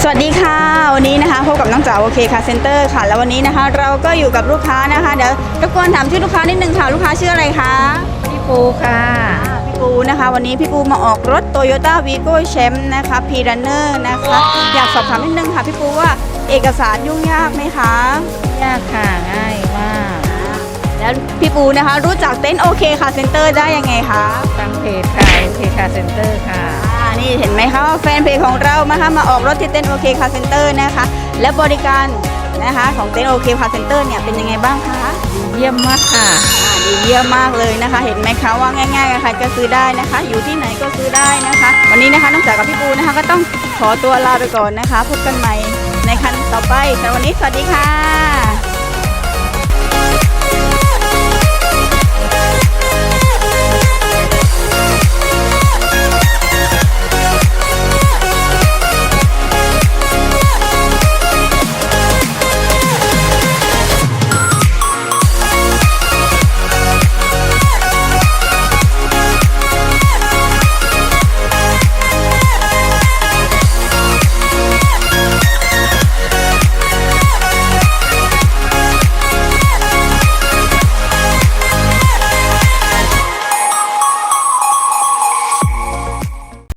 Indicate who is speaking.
Speaker 1: สวัสดีค่ะวันนี้นะคะพบกับน้องจ๋าโอเคค่ะเซ็นเตอร์ค่ะแล้ววันนี้นะคะเราก็อยู่กับลูกค้านะคะเดี๋ยวรบกวนถามชื่อลูกค้านิดนึงค่ะลูกค้าชื่ออะไรคะ
Speaker 2: พี่ปูค่ะ
Speaker 1: พี่ปูนะคะวันนี้พี่ปูมาออกรถ Toyota Vigo Champ นะคะ P-Runner นะคะอยากสอบถามนิดนึงค่ะพี่ปูว่าเอกสารยุ่งยากไหมคะ
Speaker 2: ยากค่ะง่ายมาก
Speaker 1: แล้วพี่ปูนะคะรู้จักเต็นท์โอเคค่ะเซ็นเตอร์ได้ยังไงคะ
Speaker 2: ทางเพจค่ะโอเคค่ะเซ็นเตอร์ค่ะ
Speaker 1: นี่เห็นไหมคะว่าแฟนเพจของเรานะคะมาออกรถที่เต็นท์โอเคค่ะเซ็นเตอร์นะคะและบริการนะคะของเต็นท์โอเคค่ะเซ็นเตอร์เนี่ยเป็นยังไงบ้างคะ
Speaker 2: เยี่ยมมากค่ะ
Speaker 1: ดีเยี่ยมมากเลยนะคะเห็นไหมคะว่าง่ายๆใครก็ซื้อได้นะคะอยู่ที่ไหนก็ซื้อได้นะคะวันนี้นะคะน้องจ๋ากับพี่ปูนะคะก็ต้องขอตัวลาไปก่อนนะคะพบกันใหม่ในครั้งต่อไปสำหรับวันนี้สวัสดีค่ะ